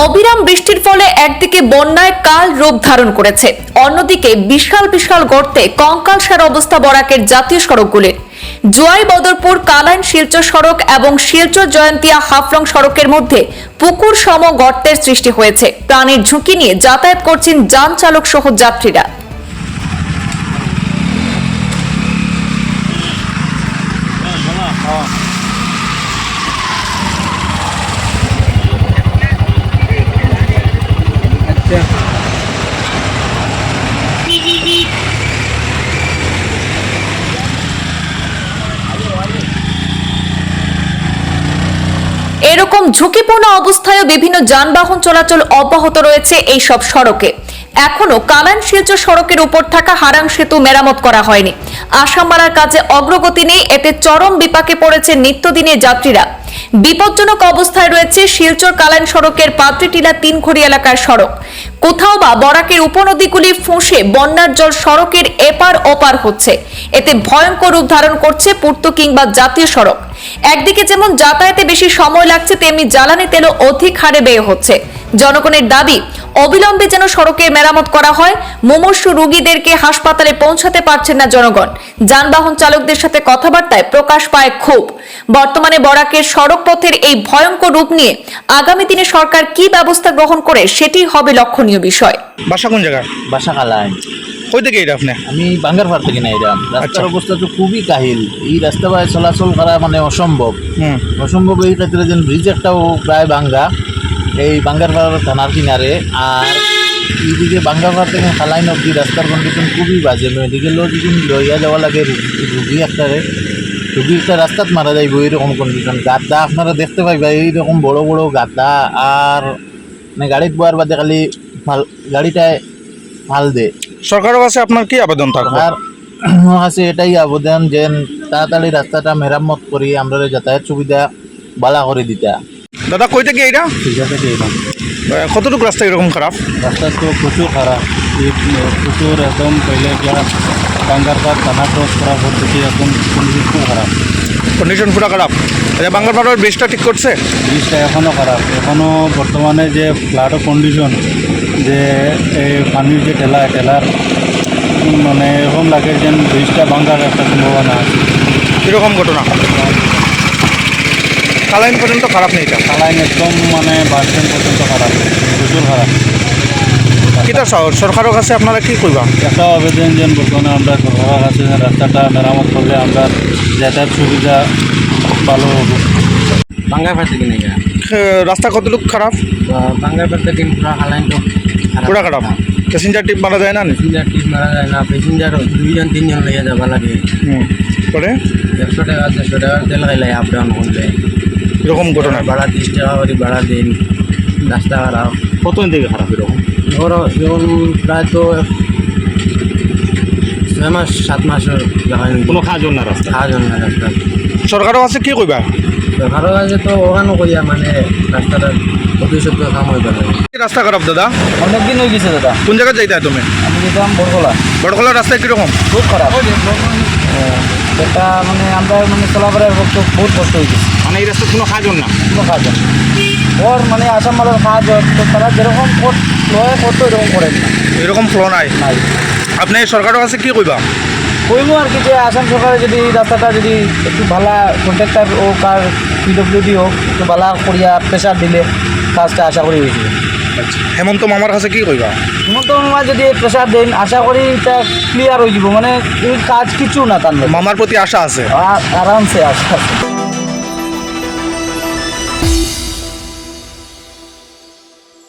অবিরাম বৃষ্টির ফলে একদিকে বন্যায় কাল রূপ ধারণ করেছে, অন্যদিকে বিশাল বিশাল গর্তে কঙ্কালসার অবস্থা বরাকের জাতীয় সড়কগুলির। জোয়াই বদরপুর কালাইন শিলচর সড়ক এবং শিলচর জয়ন্তিয়া হাফলং সড়কের মধ্যে পুকুর সম গর্তের সৃষ্টি হয়েছে। প্রাণের ঝুঁকি নিয়ে যাতায়াত করছেন যান চালক সহ যাত্রীরা। এরকম ঝুঁকিপূর্ণ অবস্থায় বিভিন্ন যানবাহন চলাচল অব্যাহত রয়েছে এই সব সড়কে। এখনো কালাইন শিলচর সড়কের উপর থাকা হারাং সেতু মেরামত করা হয়নি। আসাম মারার কাজে অগ্রগতি নেই, এতে চরম বিপাকে পড়েছে নিত্যদিনের যাত্রীরা। বিপজ্জনক অবস্থায় রয়েছে শিলচর কালাইন সড়কের পাত্রিটিলা তিনঘড়ি এলাকার সড়ক। কোথাও বা বরাকের উপনদীগুলি ফুঁসে বন্যার জল সড়কের এপার ওপার হচ্ছে। এতে ভয়ঙ্কর রূপ ধারণ করছে পূর্ত কিংবা জাতীয় সড়ক। একদিকে যেমন যাতায়াতে বেশি সময় লাগছে, তেমনি জ্বালানি তেলও অধিক হারে ব্যয় হচ্ছে। জনগণের দাবি, অবিলম্বে যেন সড়কের মেরামত করা হয়। মুমূর্ষু রোগীদেরকে হাসপাতালে পৌঁছাতে পারছেন না জনগণ। যানবাহন চালকদের সাথে কথাবার্তায় প্রকাশ পায় ক্ষোভ। বর্তমানে বরাকের সড়ক পথের এই ভয়ঙ্কর রূপ নিয়ে আগামী দিনে সরকার কি ব্যবস্থা গ্রহণ করে সেটি হবে লক্ষণীয় বিষয়। বাসা কোন জায়গা? বাসা কালাইন। কই থেকে এটা আপনি? আমি বাঙ্গারপাড় থেকে না এরাম। রাস্তার অবস্থা তো খুবই কাহিল। এই রাস্তা বাই চলাচল করা মানে অসম্ভব। অসম্ভব এই ক্ষেত্রে যেন ব্রিজ একটাও প্রায় ভাঙ্গা, এই বাঙ্গারপাড় থানার কিনারে। আর এইদিকে বাঙ্গারপাড় থেকে কালাইন অব্দি রাস্তার কন্ডিশন খুবই বাজে। মেডিকেলও যদি লইয়া যাওয়া লাগে রুগী একটা রাস্তাত মারা যাইব, এইরকম কন্ডিশন। গাদ্দা আপনারা দেখতে পাইবা, এইরকম বড় বড় গাদ্দা। আর মানে গাড়িত বোয়ার বাদে খালি গাড়িটায় ফাল দে। সরকারের কাছে আপনার কি আবেদন থাকবে? আর আছে এটাই আবেদন যে তাড়াতাড়ি রাস্তাটা মেরামত করি, আমরা যাতায়াত সুবিধা বালা করে দিতা। দাদা কই থেকে এইটা? ঠিক আছে, কতটুকু রাস্তা এরকম খারাপ? রাস্তা তো প্রচুর খারাপ, প্রচুর একদম পহলে বাঙ্গারপাড় থানা ক্রস করা পদ্ধতি একদম কন্ডিশন খুব খারাপ, কন্ডিশন পুরো খারাপ। বাঙ্গারপাড়ার ব্রিজটা ঠিক করছে? ব্রিজটা এখনও খারাপ। এখনও বর্তমানে যে ফ্লাডও কন্ডিশন, যে এই পানির যে টেলার মানে এরকম লাগে যে ব্রিজটা ভাঙার একটা সম্ভাবনা আছে। এরকম ঘটনা কালাইন পর্যন্ত খারাপ নেই? এটা কালাইন একদম মানে বাস স্ট্যান্ড পর্যন্ত খারাপ, প্রচুর খারাপ। কিটা সরকারের কাছে আপনারা কি করবা? একটা আবেদন যেন বর্তমানে আমরা সরকারের কাছে রাস্তাটা মেরামত করলে আমরা যাতায়াত সুবিধা ভালো হবে। বাঙ্গারপাড় থেকে নেই রাস্তা কতটুকু খারাপ? বাঙ্গারপাড় থেকে পুরা কালাইন তো পুরা খারাপ। প্যাসেঞ্জার টিপ মারা যায় না? প্যাসেঞ্জার টিপ মারা যায় না, প্যাসেঞ্জার 2-3 লেগে যাবা লাগে। পরে 100 টাকা 150 টাকা তেল খাইলে আপ ডাউন করলে এরকম ঘটনা। ভাড়া 30 টাকা করে ভাড়া দিন। রাস্তা খারাপ। কতদিন থেকে খারাপ এরকম? ধরো যেমন প্রায় তো 6-7 মাসের কোনো কাজ না রাস্তা? কাজ না রাস্তা। সরকারের কাছে কি করবা? সরকারের কাছে তো ওখানে করিয়া মানে রাস্তাটা ভবিষ্যৎ কাম হইবে না। রাস্তা খারাপ দাদা? অনেকদিন হয়ে গেছে দাদা। কোন জায়গায় যাইতে তুমি? আমি যেতাম বড়খোলার রাস্তা কিরকম? খুব খারাপ। এটা মানে আমরা মানে চলাফেরার পক্ষে বহুত কষ্ট হয়ে গেছে। মানে এই রাস্তা কোনো কাজ না? কোনো কাজ না। ওর মানে আসাম মালের কাজ তো তারা যেরকম লয় করতো এরকম করেন না, এরকম ফ্লো নাই। আপনি সরকারের কাছে কি কইবা? কইব আর কি যে আসাম সরকারে যদি রাস্তাটা যদি একটু ভালো কন্ট্রাক্টর হোক আর পিডব্লিউডি হোক একটু ভালো করিয়া প্রেশার দিলে কাজটা আশা করি হয়েছিল। হেমন্ত মামার কাছে কি কইবা? হেমন্ত মামা যদি প্রেশার দেন আশা করি এটা ক্লিয়ার হয়ে যাব, মানে এই কাজ কিছু না। তার মামার প্রতি আশা আছে? আরামসে আশা আছে।